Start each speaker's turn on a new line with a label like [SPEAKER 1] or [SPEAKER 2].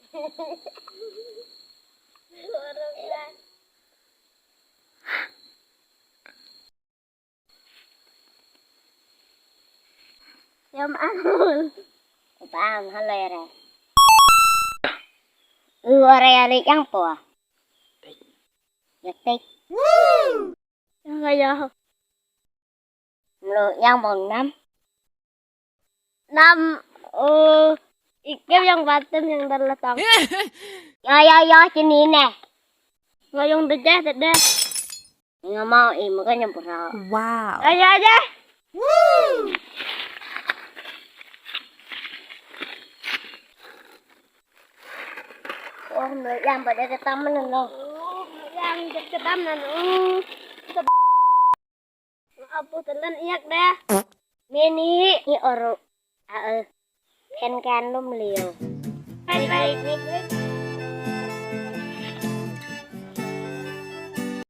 [SPEAKER 1] Yum angul. Bang, halera. Area yang po. Yatik. Yang kaya. Lo yang bong nam. Ikaw yang bottom yang dalatang. Ya, sini nih. Ngayong dede. Nggak mau, makanya pura.
[SPEAKER 2] Wow.
[SPEAKER 1] Ayo aja. Oh, yang pada ketaman lo. Yang ketaman. Apa telan iyak dah. Mini ni oro. Kan lum liu. Baik.